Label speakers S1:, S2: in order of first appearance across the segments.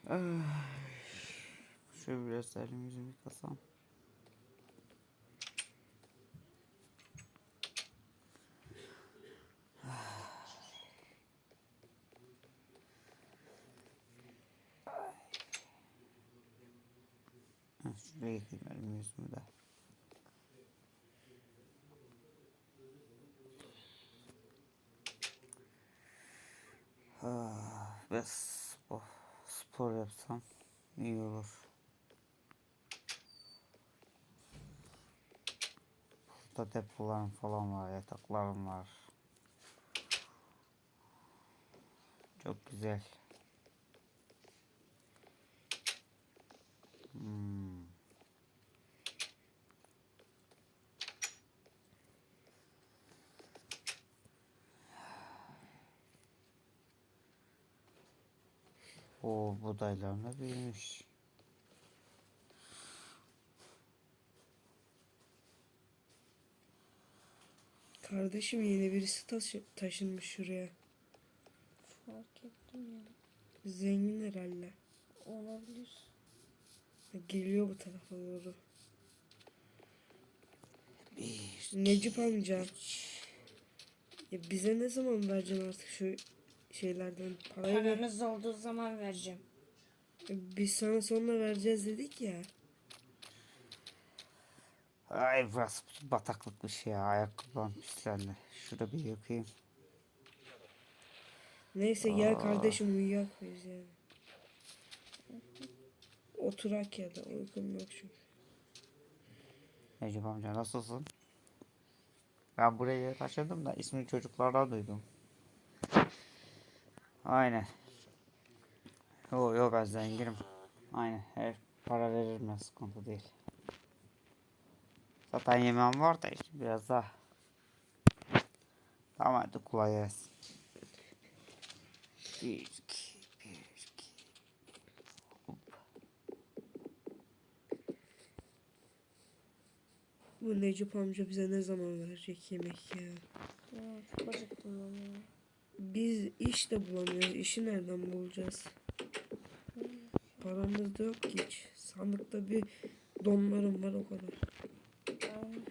S1: Ah, şöyle biraz elimi yüzümü yıkasam. Şuraya yıkayayım elimi yüzümü de. Biraz spor yapsam iyi olur. Burada depolarım falan var, yataklarım var. Çok güzel. O budaylar da büyümüş.
S2: Kardeşim yeni birisi taşınmış şuraya.
S3: Fark ettim ya.
S2: Zengin herhalde.
S3: Olabilir.
S2: Geliyor bu tarafa doğru.
S1: Bir,
S2: Necip amca. Ya bize ne zaman vereceksin artık şu şeylerden parayı?
S3: Paranız olduğu zaman vereceğim.
S2: Biz sana sonra vereceğiz dedik ya.
S1: Ay burası bataklıkmış ya. Ayakkabılarım pislendi. Şurada bir yıkayayım.
S2: Neyse gel kardeşim uyuyak biz yani. Oturak ya da uykum yok çünkü.
S1: Necip amca nasılsın? Ben buraya taşındım da ismini çocuklardan duydum. Aynen. Yok ben zenginim. Aynen her para veririm ben, sıkıntı değil. Zaten yemeğim var da işte biraz daha. Tamam hadi kolay gelsin. Bir iki. Hop.
S2: Bu Necip amca bize ne zaman verecek yemek ya?
S3: Ya, çok acıktım ben ya.
S2: Biz iş de bulamıyoruz. İşi nereden bulacağız? Paramız da yok ki hiç. Sandıkta bir donlarım var o kadar.
S3: Aynen.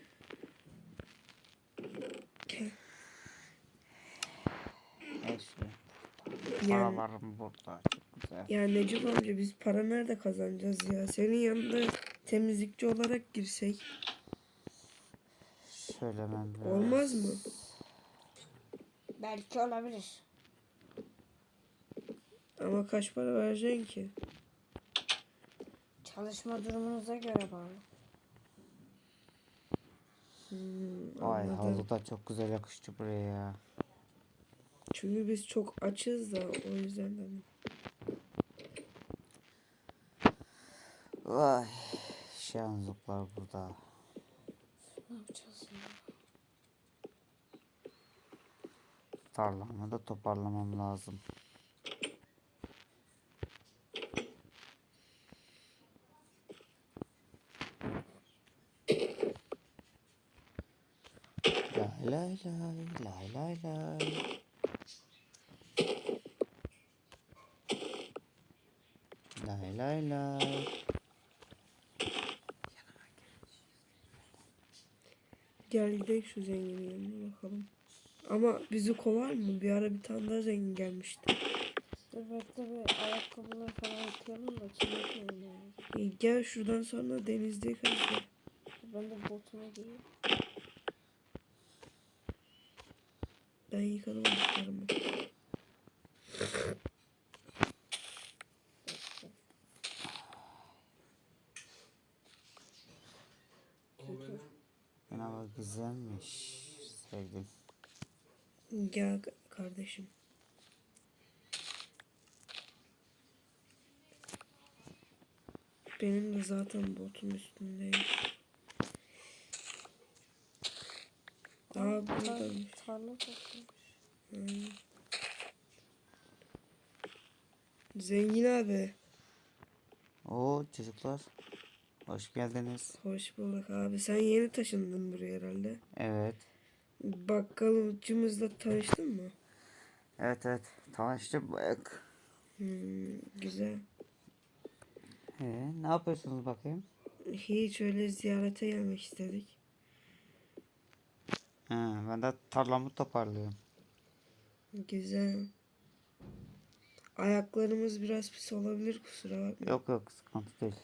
S1: Her şey.
S2: Yani,
S1: Paralarım burada. Çok güzel.
S2: yani Necip amca biz para nerede kazanacağız ya? Senin yanında temizlikçi olarak girsek
S1: Söylemem biraz.
S2: olmaz mı?
S3: Belki olabilir.
S2: Ama kaç para vereceksin ki?
S3: Çalışma durumunuza göre bağlı.
S1: Vay
S2: Anladım.
S1: halı da çok güzel yakıştı buraya ya.
S2: Çünkü biz çok açız da o yüzden hani.
S1: Vay şanzıplar burada.
S3: Ne yapacağız ya?
S1: Tarlamı da toparlamam lazım. Lay lay lay lay lay. Lay lay lay.
S2: Gel gidelim şu zenginin yanına bakalım. Ama bizi kovar mı? Bir ara bir tane daha zengin gelmişti.
S3: Dur bekle bir ayakkabıları falan yıkayalım da kirletmeyelim yani.
S2: Gel şuradan sonra denizde yıkarız.
S3: Ben de botumu giyeyim.
S2: Ben yıkadım ayaklarımı.
S1: Ama güzelmiş. Sevdim.
S2: Gel kardeşim. Benim de zaten botum üstündeyim. Aa buradaymış.
S3: Tarla toplamış.
S2: Zengin abi.
S1: Oo çocuklar. Hoş geldiniz.
S2: Hoş bulduk abi. Sen yeni taşındın buraya herhalde.
S1: Evet.
S2: Bakkalcımızla tanıştın mı?
S1: Evet. Tanıştık. Bak.
S2: Güzel.
S1: Ne yapıyorsunuz bakayım?
S2: Hiç öyle ziyarete gelmek istedik.
S1: Ben de tarlamı toparlıyorum.
S2: Güzel. Ayaklarımız biraz pis olabilir, kusura bakma.
S1: Yok yok, sıkıntı değil.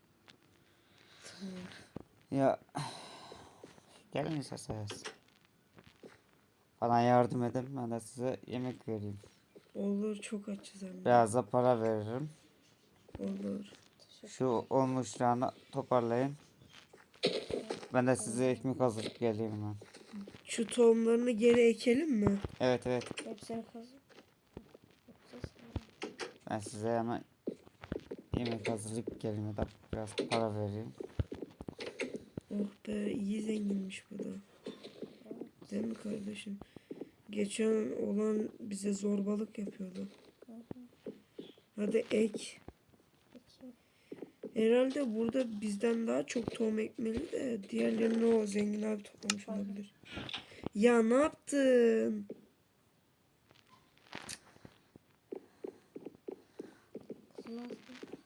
S1: Ya gelin isterseniz. Bana yardım edin, ben de size yemek vereyim.
S2: Olur, çok açız hem de.
S1: Biraz da para veririm.
S2: Olur.
S1: Şu olmuşlarını toparlayın. Ben de size ekmek hazırlayıp geleyim hemen.
S2: Şu tohumlarını geri ekelim mi?
S1: Evet evet,
S3: Hepsini kazıp.
S1: ben size hemen yemek hazırlayıp geleyim ya da biraz para vereyim.
S2: Oh be, iyi zenginmiş bu da. Değil mi kardeşim? Geçen olan bize zorbalık yapıyordu. Hadi ek.
S3: Peki.
S2: Herhalde burada bizden daha çok tohum ekmeli de diğerlerini o zengin abi toplamış olabilir. Ya ne yaptın?
S3: Kızmaz.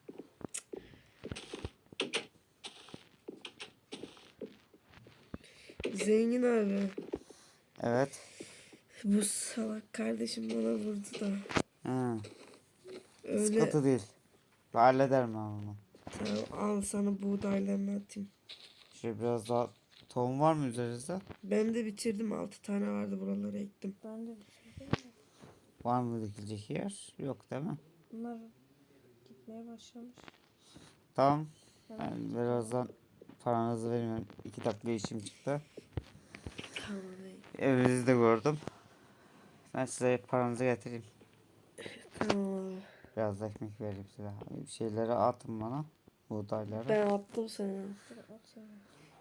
S2: Zengin abi.
S1: Evet.
S2: Bu salak kardeşim bana vurdu da.
S1: Hı,
S2: Öyle
S1: sıkıntı değil. Ben hallederim ben onu.
S2: tamam, al sana buğdaylarını atayım.
S1: Şöyle biraz daha tohum var mı üzerinizde?
S2: Ben de bitirdim, 6 tane vardı, buralara ektim.
S3: Ben de bitirdim de.
S1: Var mı dikilecek yer? Yok değil mi?
S3: Bunlar gitmeye başlamış.
S1: Tamam.
S3: Hemen
S1: Ben birazdan paranızı vereyim. 2 dakika işim çıktı.
S2: Tamam.
S1: Evinizi de gördüm. Ben size paranızı getireyim.
S2: Tamam abi.
S1: Biraz da ekmek vereyim size. Bir şeyleri atın bana. Buğdayları.
S2: Ben attım sana.
S3: dur atayım.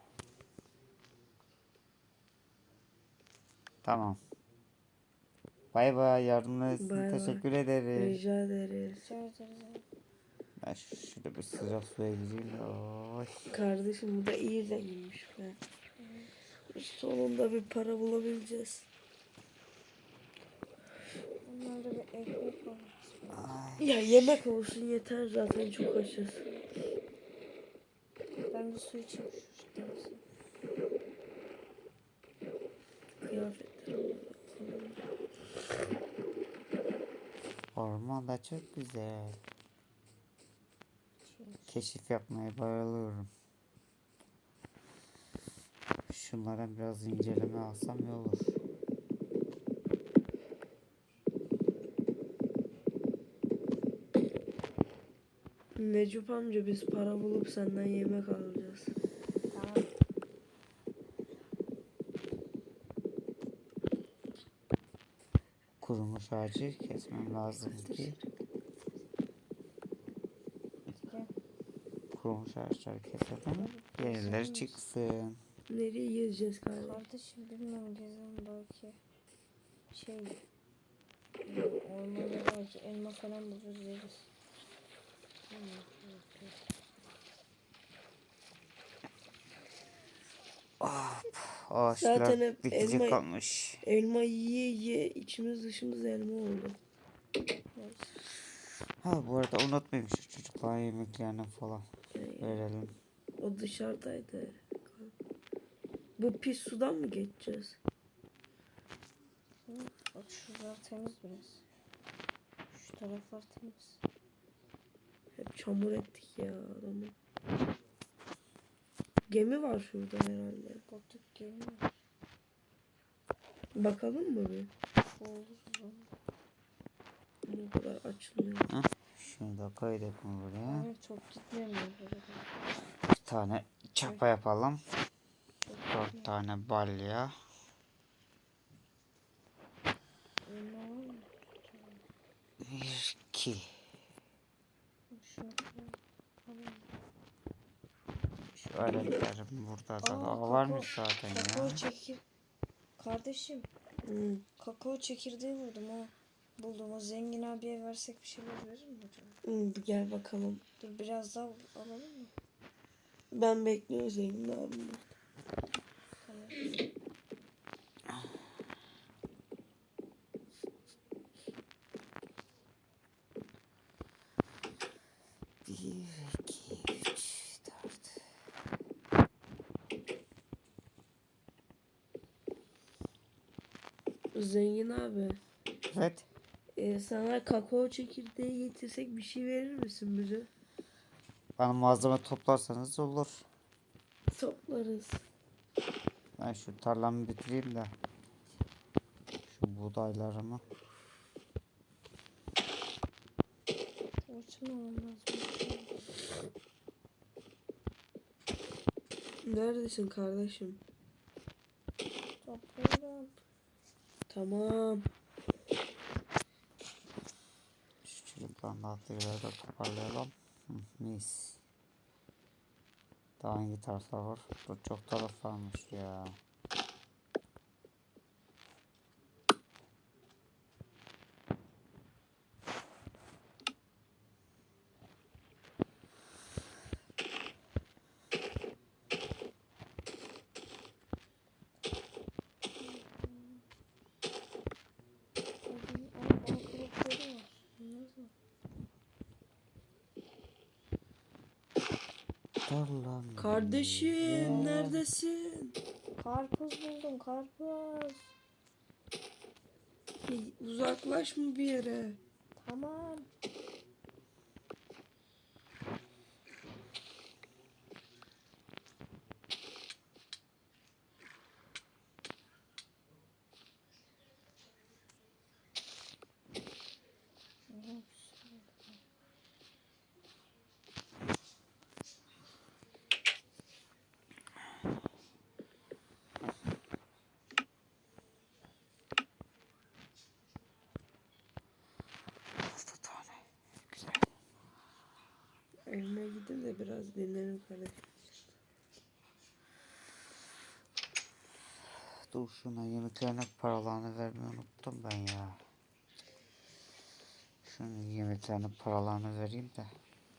S1: Tamam. Bay bay. Yardımınız için
S2: Bay bay.
S1: teşekkür ederim.
S2: Rica ederiz.
S3: Rica ederiz abi.
S1: Ben şurada bir sıcak suya gireyim de. Oy.
S2: Kardeşim bu da iyi zenginmiş be. Sonunda bir para bulabileceğiz.
S3: Bunlarda bir ekmek var.
S1: Ay.
S2: Ya yemek olsun yeter, zaten çok açız.
S3: Ben bir su içeyim şu denize.
S2: Kıyafetlerim.
S1: Orman da çok güzel. Keşif yapmaya bayılıyorum. Şunlara biraz inceleme alsam iyi olur.
S2: Necup amca, biz para bulup senden yemek alacağız.
S3: Tamam.
S1: Kurumuş ağacı kesmem lazım ki
S3: Gel.
S1: kurumuş ağaçları keselim. Yenileri çıksın.
S2: Nereye gezeceğiz kardeşim?
S3: Kardeşim bilmiyorum, gezelim belki. Şey. Ormanda belki elma falan buluruz yeriz.
S1: Ağaçlar
S2: Zaten hep
S1: dikecek
S2: elma-
S1: kalmış.
S2: Elma yiye yiye içimiz dışımız elma oldu.
S1: Ha bu arada unutmayayım, şu çocuklara yemeklerini falan verelim.
S2: O dışarıdaydı. Bu pis sudan mı geçeceğiz?
S3: Bak şuralar temiz biraz. Şu taraflar temiz.
S2: Hep çamur ettik ya adamı. Gemi var şurada herhalde.
S3: Batık geliyor.
S2: Bakalım mı bir?
S3: Olur mu?
S2: Bu kadar açılmıyor.
S1: Şunu da koyduk mu buraya?
S3: Yani çok gitmiyor burada.
S1: Bir tane çapa yapalım. 4 tane balya.
S3: Elma var mı?
S1: 1, 2.
S3: Şunu koyalım.
S1: Şu aletlerim burada da
S3: Aa,
S1: varmış zaten
S3: kakao
S1: ya.
S3: çekir. Kardeşim,
S2: Hı.
S3: kakao çekirdeği buldum ha. Buldum. O zengin abiye versek bir şeyler verir mi acaba?
S2: Hı, gel bakalım.
S3: Dur biraz daha alalım mı?
S2: Ben bekliyorum zengin abimi.
S3: Tamam.
S1: 1, 2,
S2: Zengin abi.
S1: Evet.
S2: Sana kakao çekirdeği getirsek bir şey verir misin bize?
S1: Bana malzeme toplarsanız olur.
S2: Toplarız.
S1: Ben şu tarlamı bitireyim de. Şu buğdaylarımı.
S3: Orçun olmam lazım.
S2: Neredesin kardeşim?
S3: Topluyorum.
S2: Tamam.
S1: Şu çocukların dağıttıkları da toparlayalım. Hı, mis. Daha hangi taraflar var? Dur, çok taraf varmış ya.
S3: Bal kabukları var. Bunlar da.
S1: Tarlam.
S2: Kardeşim neredesin?
S3: Karpuz buldum, karpuz.
S2: Uzaklaşma bir yere.
S3: Tamam.
S1: Altı tane. Güzel.
S2: Evime gidin de biraz dinlenin kardeşim.
S1: Dur, şuna yemeklerine paralarını vermeyi unuttum ben ya. Şunun yemeklerine paralarını vereyim de.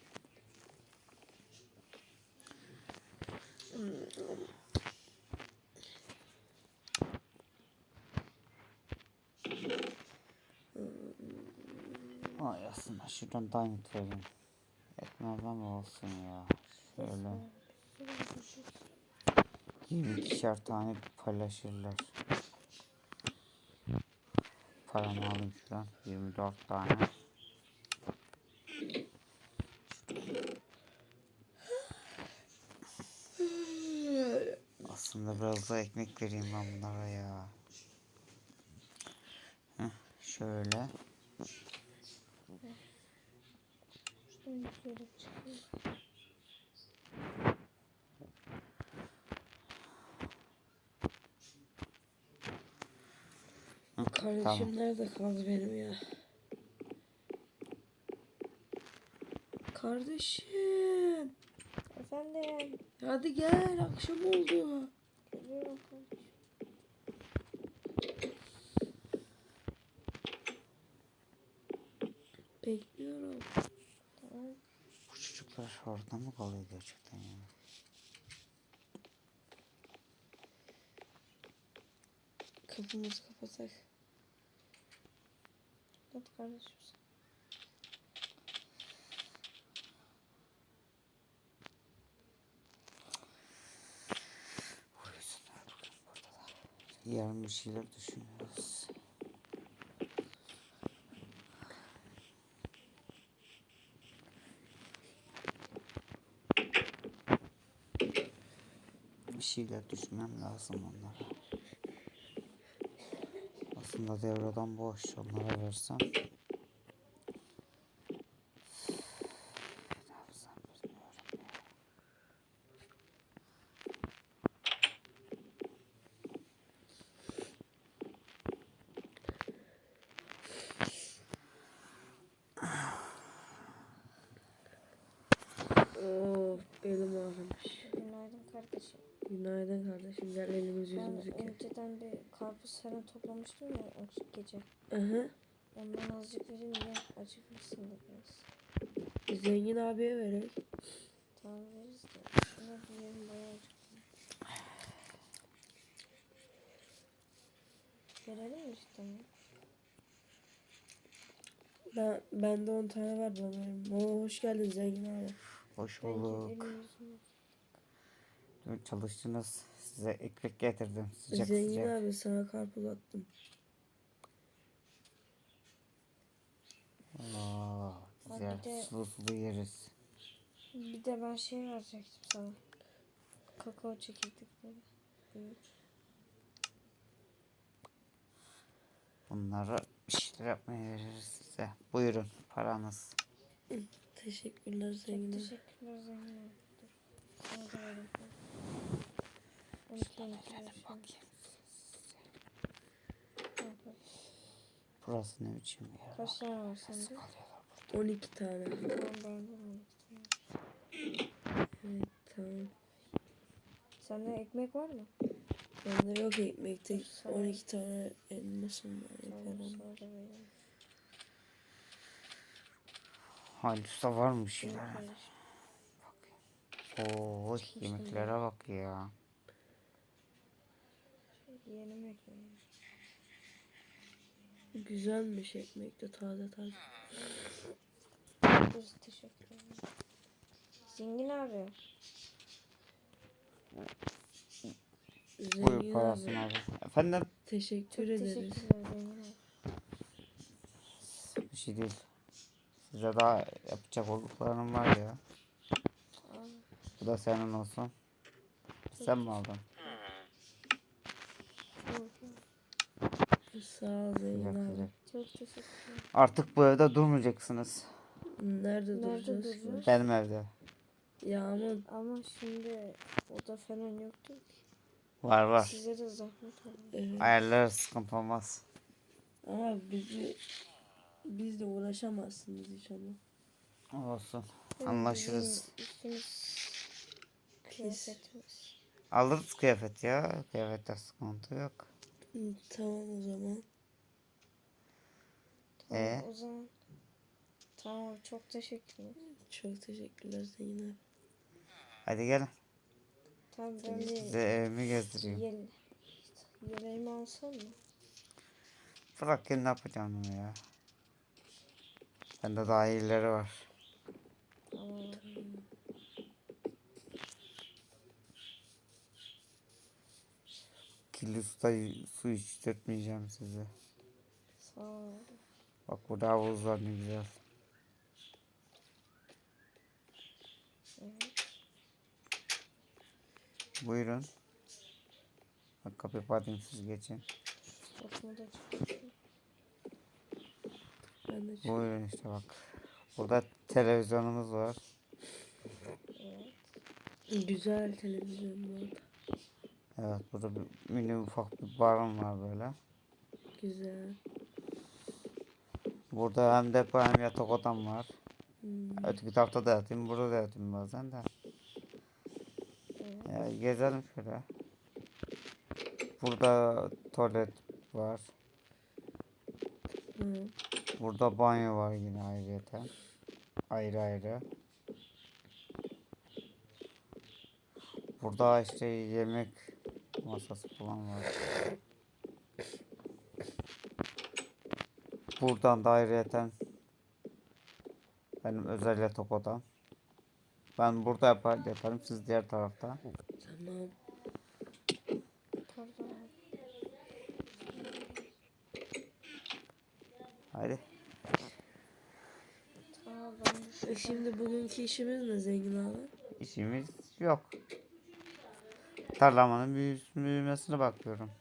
S1: Ay, aslında şuradan diamond vereyim. Etmezden mi olsun ya. Şöyle 22'şer tane paylaşırlar. Paramı alayım şuradan. 24 tane. Aslında biraz da ekmek vereyim ben bunlara ya. Heh, şöyle.
S3: Şuradan yukarı çıkıyor.
S1: Hı,
S2: Kardeşim
S1: tamam.
S2: nerede kaldı benim ya? Kardeşim.
S3: Efendim.
S2: Hadi gel, akşam oldu.
S3: Geliyorum kardeşim.
S2: Bekliyorum.
S3: Tamam.
S1: Bu çocuklar orada mı kalıyor gerçekten ya?
S2: Kapımızı kapatak.
S3: Hadi kardeşim.
S1: Uyusunlar bugün burada da. Yarın bir şeyler düşünüyoruz. Bir şeyler düşünmem lazım onlara. Aslında devradan boş, onlara versem. Ne yapsam bilmiyorum ya.
S2: Belim ağrımış.
S3: Günaydın kardeşim.
S2: Günaydın kardeşim. Gel elimizi
S3: Ben
S2: yüzümüzü yıkayalım.
S3: önceden bir karpuz falan toplamıştım ya o gece.
S2: Aha.
S3: Ondan azıcık vereyim de acıkırsın da biraz.
S2: Zengin abiye verek.
S3: Tamam veririz de. Şuna bir yerim bayağı acıktım. Verelim mi cidden ya?
S2: Bende 10 tane var bana verin. Hoş geldin zengin abi.
S1: Hoş
S3: Ben
S1: bulduk.
S3: elimi
S1: Dün çalıştınız. Size ekmek getirdim. Sıcak
S2: Zengin
S1: sıcak.
S2: abi sana karpuz attım.
S3: Bir de-
S1: sulu sulu yeriz.
S3: Bir de ben şey verecektim sana. Kakao çekirdekleri. Büyük.
S1: Bunları bir şeyler yapmaya veririz size. Buyurun paranız.
S2: Teşekkürler
S3: Çok
S2: zengin abi.
S3: teşekkürler zengin abi. Dur. Sana da vereyim. 12
S1: Bakayım.
S3: Tamam.
S1: Burası ne biçim bir yer?
S3: Kaç tane var sende?
S1: Kalıyorlar.
S2: 12 tane.
S3: Tamam ben de 12 tane.
S2: Evet tamam.
S3: Sende ekmek var mı?
S2: Bende yok ekmekte
S3: Dur, sana-
S2: 12 tane elmasım var.
S3: Tamam
S2: Yaparım.
S3: sana da vereyim.
S1: Halis Usta var mı bir şeyler?
S3: Bunu paylaş.
S1: Oo, yemeklere bak ya.
S3: Yeğenim ekmeği.
S2: Güzelmiş ekmek de taze taze.
S3: Biz teşekkür ederim. Zengin abi.
S1: Buyur
S2: Zengin
S1: parasını
S2: abi.
S1: abi. Efendim?
S2: Teşekkür
S3: Çok
S2: ederiz.
S3: teşekkürler zengin abi.
S1: Bir şey değil. Size daha yapacak olduklarım var ya.
S3: Aa,
S1: Bu da senin olsun. Sen mi aldın?
S2: Sağ ol zengin
S1: Sıcak
S2: abi.
S1: sıcak.
S3: çok teşekkürler.
S1: Artık bu evde durmayacaksınız.
S2: Nerede
S3: Nerede
S2: duracağız?
S3: duracağız?
S1: Benim evde.
S2: Ya ama
S3: Ama şimdi oda falan yoktu ki.
S1: Var var.
S3: Size de zahmet oldu.
S2: evet.
S1: Ayarlarız, sıkıntı olmaz.
S2: Ama bizle uğraşamazsınız hiç ama.
S1: Olsun. Anlaşırız.
S3: Bizim üstümüz kıyafetimiz.
S1: Alırız kıyafet ya. Kıyafette sıkıntı yok.
S2: Tamam o zaman.
S3: Tamam o zaman. Tamam çok teşekkürler.
S2: Çok teşekkürler zengin abi.
S1: Hadi gelin.
S3: Tamam ben bir
S1: Size evimi gezdireyim.
S3: yeleğimi alsam mı?
S1: Bırak kendi yapacağım onu ya. Bende daha iyileri var.
S3: Tamam.
S1: Kirli su içtirtmeyeceğim size.
S3: Sağ ol.
S1: Bak burada havuz var ne güzel.
S3: Evet.
S1: Buyurun. Bak kapıyı kapatayım siz geçin.
S3: Fotomu da çıkartayım.
S2: Ben de
S1: Buyurun işte bak. Burada televizyonumuz var.
S3: Evet.
S2: güzel televizyon bu arada.
S1: Evet burada bir mini ufak bir barım var böyle.
S2: Güzel.
S1: Burada hem depo hem yatak odam var. Öteki tarafta da yatayım, burada da yatayım bazen de.
S3: Evet.
S1: Ya, gezelim şöyle. Burada tuvalet var.
S2: Hı.
S1: Burada banyo var yine ayrıyeten. Ayrı ayrı. Burada işte yemek masası falan var. Buradan da ayrıyeten benim özel yatak odam. Ben burada yaparım, siz diğer tarafta.
S2: Tamam.
S3: Pardon.
S1: Hadi.
S3: Tamam ben de şuradan-
S2: Şimdi bugünkü işimiz ne zengin abi?
S1: İşimiz yok. Tarlamanın büyümesine bakıyorum.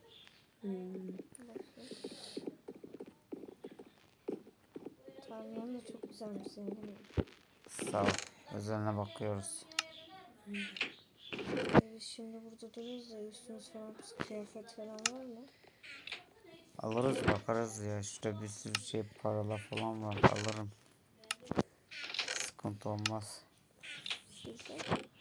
S3: Tarlan da çok güzelmiş zengin abi.
S1: Sağ ol. Özeline bakıyoruz.
S3: Biz şimdi burada duruyoruz da üstümüz falan kıyafet falan var mı?
S1: Alırız bakarız ya. Şurada bir sürü şey paralar falan var. Alırım. Sıkıntı olmaz.
S3: Sizde?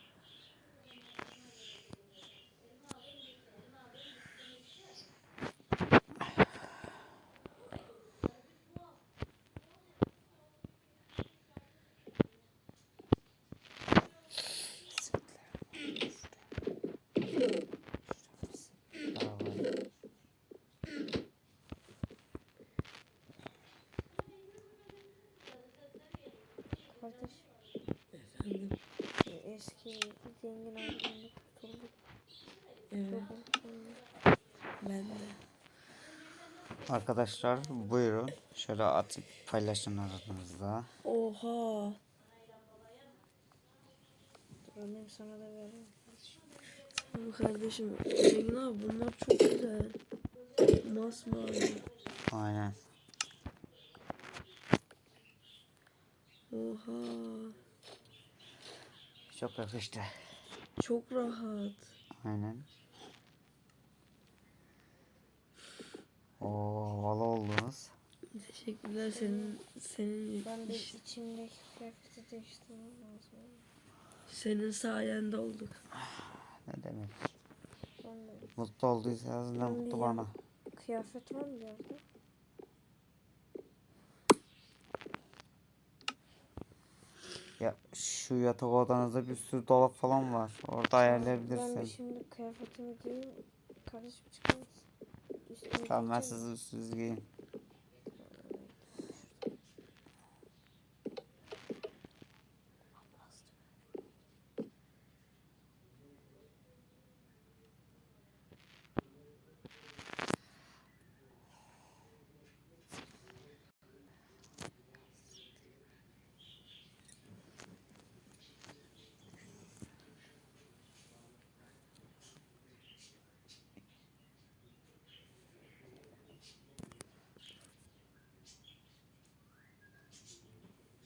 S1: Para var.
S3: Kardeş
S2: Efendim.
S3: eski zengin abimle kurtulduk.
S2: Evet.
S3: Çok mutluyum.
S2: Ben de.
S1: Arkadaşlar buyurun. Şöyle atıp paylaşın aranızda.
S2: Oha.
S3: Dur alayım sana da vereyim.
S2: Tamam kardeşim. Zengin abi bunlar çok güzel. Masmavi.
S1: Aynen.
S2: Oha.
S1: Çok yakıştı.
S2: Çok rahat.
S1: Aynen. Oo, havalı oldunuz.
S2: Teşekkürler senin
S3: Ben de içimdeki kıyafeti değiştirmem lazım.
S2: senin sayende olduk.
S1: Ne demek?
S3: Ben de.
S1: Mutlu olduysanız ne
S3: Ben
S1: mutlu
S3: bir
S1: bana.
S3: kıyafet var mı yerde?
S1: Ya şu yatak odanızda bir sürü dolap falan var. Orada
S3: Ben de
S1: ayarlayabilirsin.
S3: şimdi kıyafetimi giyeyim. Kardeşim çıkar mısın? Üstümü
S1: Tamam ben
S3: giyeceğim.
S1: sizi giyin.